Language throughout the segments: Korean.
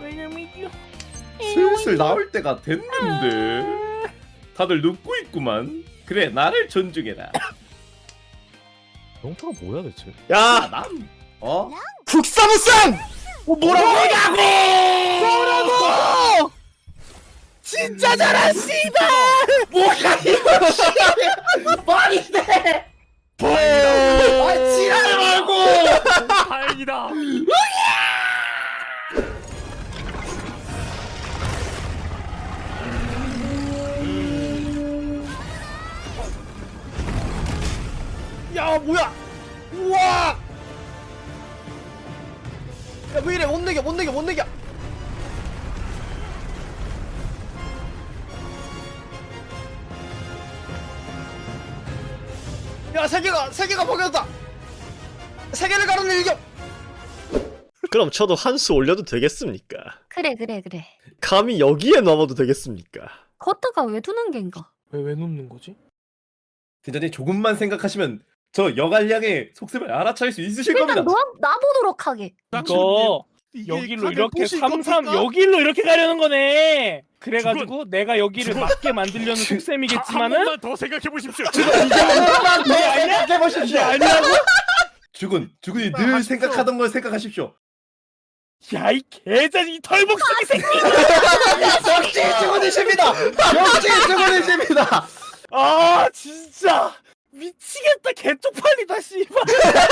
슬슬 나올 때가 됐는데 다들 눕고 있구만. 그래, 나를 존중해라. 영타가 뭐야 대체? 야! 난 어? 국사무쌍! 뭐라고? 뭐라고! 진짜 잘한 씨발! 뭐야 이거 씨발! 말이 돼! 아 지랄 말고! 다행이다. 야 뭐야! 우와! 야 왜 이래 못 내겨 못 내겨 못 내겨! 야 세계가 벗겨졌다! 세계를 가르는 일격! 그럼 저도 한 수 올려도 되겠습니까? 그래. 감히 여기에 넘어도 되겠습니까? 걷다가 왜 두는 겐가? 왜 눕는 거지? 대전에 조금만 생각하시면 저 여갈량의 속셈을 알아차릴 수 있으실 겁니다. 일단 놔보도록 하게. 이거 여기로 이렇게 3-3 여기로 이렇게 가려는 거네. 그래가지고 내가 여기를 맞게 만들려는 속셈이겠지만은 한 번만 더 생각해 보십시오. 한번만 더 생각해보십시오! 아니라고? 주군이 늘 생각하던 걸 생각하십시오. 야 이 개자식 이 털복숭이 새끼! 역시 주군이십니다! 역시 주군이십니다! 아 진짜 미치겠다. 개쪽팔리다 씨발.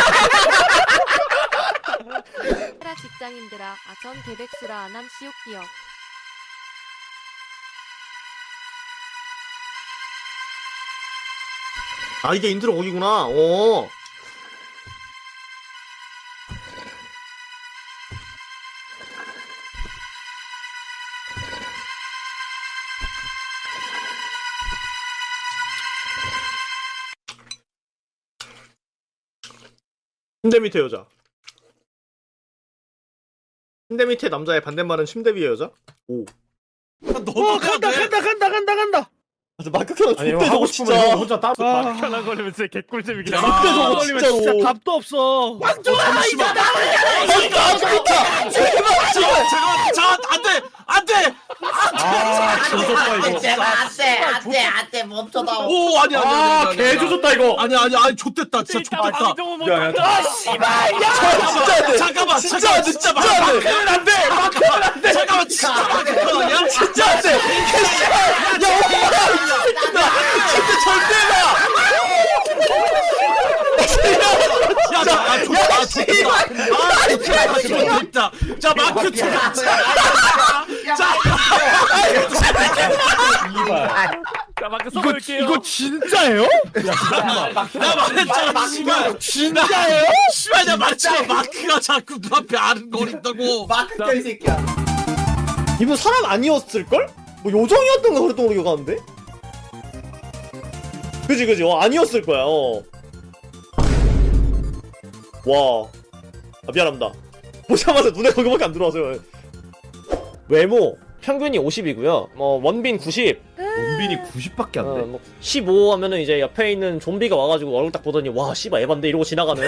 라 직장인들아 아전 개백수라 안함 시옥기역 아 이게 인트로 곡이구나. 오. 침대 밑에 여자. 침대 밑에 남자의 반대말은 침대 위의 여자? 오. 간다. 맞아 마크 켜라 아니, 좋대 하고 저거 싶으면 진짜. 이거 혼자 따로 편한 걸리면 진짜 개꿀잼이긴 해. 좋대 저거 걸리면 진짜 진짜로. 답도 없어. 잠시만. 안돼 아, 조졌다 이거. 안돼 멈춰다. 오 아니야 개 조졌다 이거. 아니야 좋댔다 진짜 좋댔다. 야, 아 씨발. 진짜 안 돼. 잠깐만 진짜 안 돼. 진짜 안 돼. 안 돼. 마크는 안 돼. 잠깐만 진짜 아니야? 진짜 안 돼. 개씨발. 야 오빠. 진짜 절대 가. 좋댔다. 자 마크 좋댔다. 자 마크 써볼게요. 이거 진짜예요? 나 말했잖아 씨발. 진짜예요? 씨발 나 말했잖아 마크가 자꾸 눈앞에 아른거린다고. 마크 껴이 새끼야. 이분 사람 아니었을걸? 뭐 요정이었던가 그랬던 걸로 기억하는데? 그지 아니었을 거야. 와. 아, 미안합니다. 보자마자 눈에 거기밖에 안 들어와서요. 외모 평균이 50이고요. 원빈 90. 원빈이 90밖에 안 돼. 15 하면은 이제 옆에 있는 좀비가 와가지고 얼굴 딱 보더니 와 씨발 에반데 이러고 지나가는.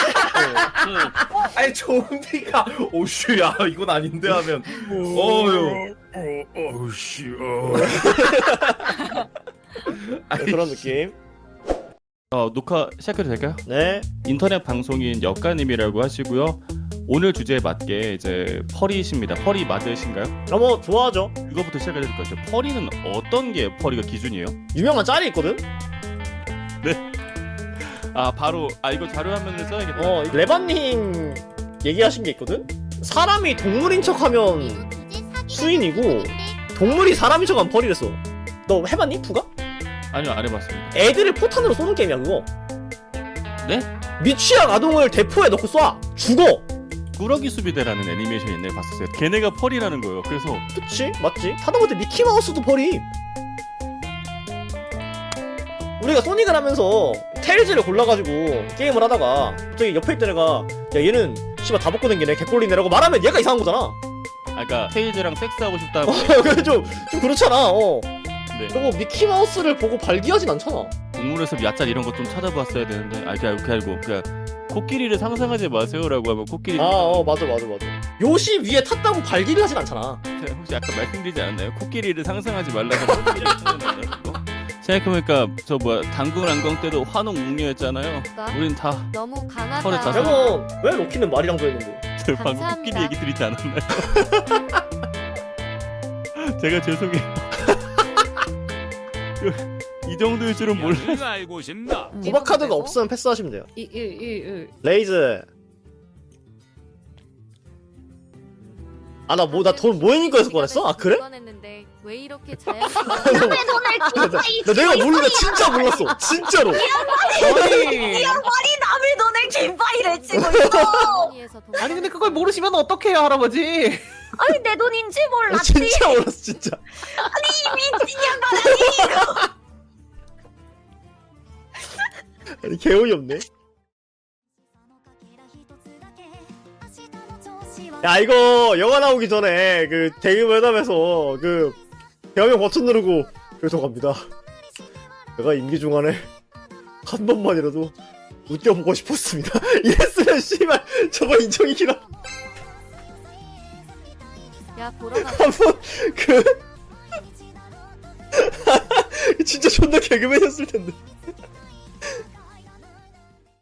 아니 좀비가 오슈야 이건 아닌데 하면 어유. 오씨. 그런 느낌. 녹화 시작해도 될까요? 네. 인터넷 방송인 역가님이라고 하시고요. 오늘 주제에 맞게 이제 펄이십니다. 펄이 맞으신가요? 뭐 좋아하죠. 이거부터 시작해야 될 것 같아요. 펄이는 어떤 게 펄이가 기준이에요? 유명한 짤이 있거든. 바로 이거 자료 화면을 써야겠다. 레바님 얘기하신 게 있거든. 사람이 동물인 척하면 수인이고 동물이 사람인 척하면 펄이랬어. 너 해봤니? 푸가? 아니요, 안 해봤습니다. 애들을 포탄으로 쏘는 게임이야 그거. 네? 미취학 아동을 대포에 넣고 쏴 죽어. 꾸러기 수비대라는 애니메이션 옛날에 봤었어요. 걔네가 펄이라는 거예요. 그래서 그치 맞지? 하다못해 미키마우스도 펄임. 우리가 소닉을 하면서 테일즈를 골라가지고 게임을 하다가 갑자기 옆에 있던 애가 야 얘는 씨발 다 벗고 댕기네 개꼴리네라고 말하면 얘가 이상한 거잖아. 그러니까 테이즈랑 섹스하고 싶다고. 그래 좀 그렇잖아. 네. 그리고 미키마우스를 보고 발기하진 않잖아. 동물에서 야짤 이런 거 좀 찾아봤어야 되는데 그게 아니고 그냥 코끼리를 상상하지 마세요라고 하면 코끼리. 맞아. 요시 위에 탔다고 발길을 하진 않잖아. 혹시 아까 말씀드리지 않았나요? 코끼리를 상상하지 말라고 코끼리를 상상하는 거? 생각해보니까 저 뭐야 당군 안경 때도 환웅 웅녀였잖아요. 우린 다 너무 털에 강하다. 다 여러분 왜 로키는 말이랑도 했는데? 방금 감사합니다. 코끼리 얘기 드리지 않았나요? 제가 죄송해요. 이 정도일 줄은 몰랐어요. 알고 싶나? 도박 카드가 없으면 패스하시면 돼요. 이 레이즈. 아 나 돈 모이니까 해서 꺼냈어? 아 그래? 꺼냈는데 왜 이렇게 자연스러워? 남의 돈을 기빠이 나 내가 몰라 진짜 몰랐어 진짜로. 아니 남의 돈을 기빠이를 치고 있어. 아니 근데 그걸 모르시면 어떡해요 할아버지. 아니 내 돈인지 몰랐지. 진짜 몰랐어 진짜. 미친 양반 아니 개어이 없네. 야 이거 영화 나오기 전에 그 대규모 회담에서 그 대화명 버튼 누르고 죄송합니다. 내가 임기 중간에 한 번만이라도 웃겨보고 싶었습니다. 이랬으면 씨발 저거 인정이기라. 야 보러 가. 한번 그 진짜 존나 개그맨이었을 텐데.